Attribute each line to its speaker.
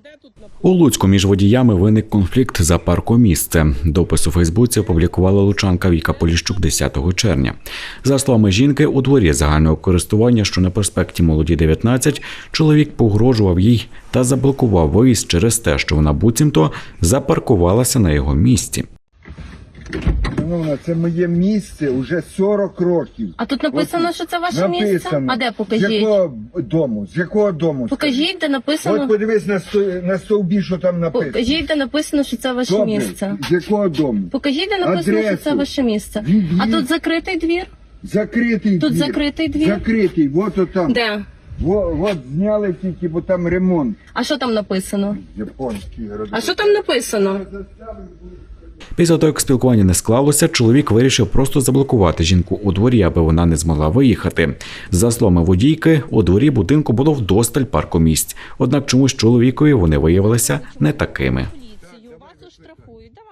Speaker 1: У Луцьку між водіями виник конфлікт за паркомісце. Допис у Фейсбуці опублікувала лучанка Віка Поліщук 10 червня. За словами жінки, у дворі загального користування, що на проспекті Молоді 19, чоловік погрожував їй та заблокував виїзд через те, що вона буцімто запаркувалася на його місці.
Speaker 2: Шановна, це моє місце вже 40 років.
Speaker 3: А тут написано, що це ваше місце?
Speaker 2: Написано.
Speaker 3: А де, покажіть?
Speaker 2: З якого дому? З якого дому?
Speaker 3: Покажіть, де написано.
Speaker 2: От подивись на стовбі, що там написано.
Speaker 3: Покажіть, де написано, що це ваше
Speaker 2: Добре.
Speaker 3: місце.
Speaker 2: З якого дому?
Speaker 3: Покажіть, де написано, що це
Speaker 2: Адресу.
Speaker 3: ваше місце.
Speaker 2: Двір.
Speaker 3: А тут закритий двір?
Speaker 2: Закритий
Speaker 3: Тут
Speaker 2: двір.
Speaker 3: закритий двір?
Speaker 2: Закритий, от там.
Speaker 3: Де?
Speaker 2: От зняли тільки, бо там ремонт.
Speaker 3: А що там написано?
Speaker 2: Японський город.
Speaker 3: А що там написано?
Speaker 1: Після того, як спілкування не склалося, чоловік вирішив просто заблокувати жінку у дворі, аби вона не змогла виїхати. За словами водійки, у дворі будинку було вдосталь паркомісць. Однак чомусь чоловікові вони виявилися не такими.